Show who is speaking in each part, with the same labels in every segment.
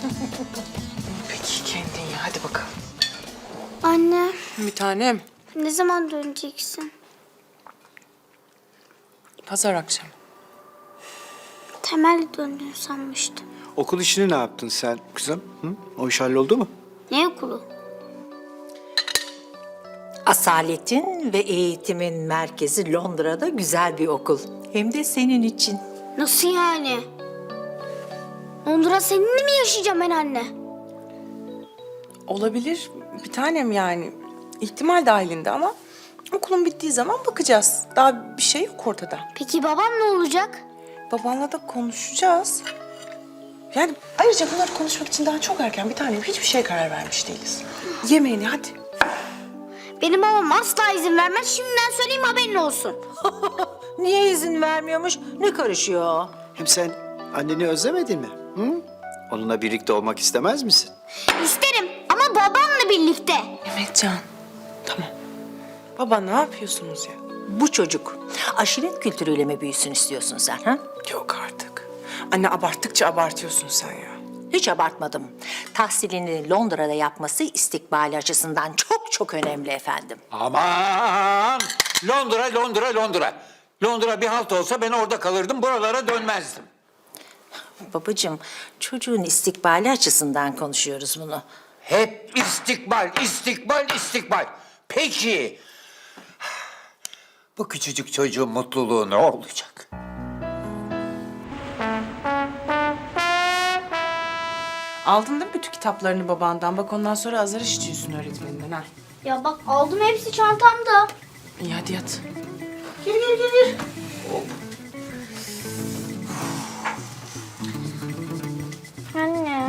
Speaker 1: Peki kendin ya, hadi bakalım.
Speaker 2: Anne,
Speaker 1: Bir tanem.
Speaker 2: ne zaman döneceksin?
Speaker 1: Pazar akşamı.
Speaker 2: Temel döndün sanmıştım.
Speaker 3: Okul işini ne yaptın sen kızım? Hı? O iş halloldu mu?
Speaker 2: Ne okulu?
Speaker 4: Asaletin ve eğitimin merkezi Londra'da güzel bir okul. Hem de senin için.
Speaker 2: Nasıl yani? Londra seninle mi yaşayacağım ben anne?
Speaker 1: Olabilir bir tanem yani. İhtimal dahilinde ama okulun bittiği zaman bakacağız. Daha bir şey yok ortada.
Speaker 2: Peki babam ne olacak?
Speaker 1: Babanla da konuşacağız. Yani ayrıca bunları konuşmak için daha çok erken bir tanem. Hiçbir şeye karar vermiş değiliz. Yemeğini hadi.
Speaker 2: Benim babam asla izin vermez. Şimdiden söyleyeyim, haberin olsun.
Speaker 4: Niye izin vermiyormuş? Ne karışıyor?
Speaker 3: Hem sen anneni özlemedin mi? Hı? Onunla birlikte olmak istemez misin?
Speaker 2: İsterim ama babamla birlikte.
Speaker 1: Mehmetcan, tamam. Baba ne yapıyorsunuz ya?
Speaker 4: Bu çocuk aşiret kültürüyle mi büyüsün istiyorsun sen ha?
Speaker 1: Yok artık. Anne abarttıkça abartıyorsun sen ya.
Speaker 4: Hiç abartmadım. Tahsilini Londra'da yapması istikbali açısından çok çok önemli efendim.
Speaker 5: Aman! Londra, Londra, Londra. Londra bir halt olsa ben orada kalırdım, buralara dönmezdim.
Speaker 4: Babacığım, çocuğun istikbali açısından konuşuyoruz bunu.
Speaker 5: Hep istikbal, istikbal, istikbal. Peki, bu küçücük çocuğun mutluluğu ne olacak?
Speaker 1: Aldın değil mi bütün kitaplarını babandan? Bak ondan sonra azar işitiyorsun öğretmeninden ha.
Speaker 2: Ya bak, aldım hepsi çantamda.
Speaker 1: İyi hadi yat.
Speaker 2: Gir. Anne.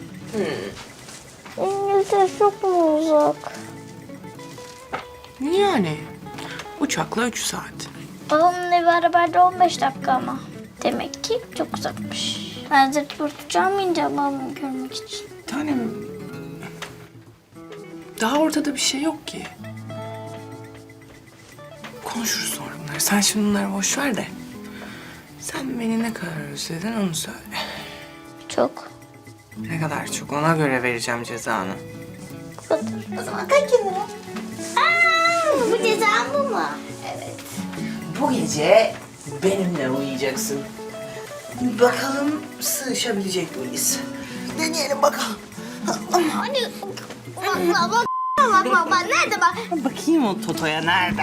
Speaker 2: İngiltere çok mu uzak?
Speaker 1: Niye yani? Uçakla 3 saat.
Speaker 2: Babamın evi arabayla 15 dakika ama. Demek ki çok uzakmış. Ben zırt pırt uçağıma ineceğim babamı görmek için.
Speaker 1: Bir tanem... Daha ortada bir şey yok ki. Konuşuruz sonra bunları. Sen şimdi bunları boş ver de. Sen beni ne kadar özledin onu söyle.
Speaker 2: Çok.
Speaker 1: Ne kadar çok ona göre vereceğim cezanı.
Speaker 2: O zaman kaç lira? Bu cezam bu mu?
Speaker 6: Bu gece benimle uyuyacaksın. Bakalım sığışabilecek miyiz? Deneyelim bakalım.
Speaker 2: Hani bak nerede bak?
Speaker 6: Bakayım o Toto'ya nerede?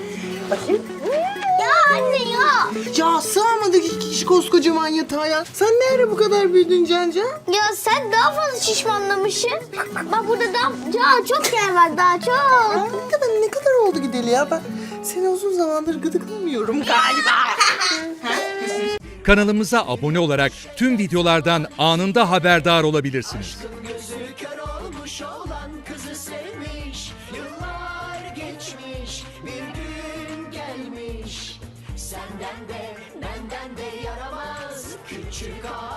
Speaker 2: Ya anne ya.
Speaker 6: Ya sığamadık iki kişi koskocaman yatağa ya. Sen ne ara bu kadar büyüdün Canca?
Speaker 2: Ya sen daha fazla şişmanlamışsın. Bak burada daha çok yer var, daha çok.
Speaker 6: Ne kadar oldu gideli ya? Ben seni uzun zamandır gıdıklamıyorum galiba.
Speaker 7: Kanalımıza abone olarak tüm videolardan anında haberdar olabilirsiniz.
Speaker 8: Gözü kör olmuş olan kızı sevmiş. Yıllar geçmiş, bir gün gelmiş. Senden de benden de yaramaz küçük ağa.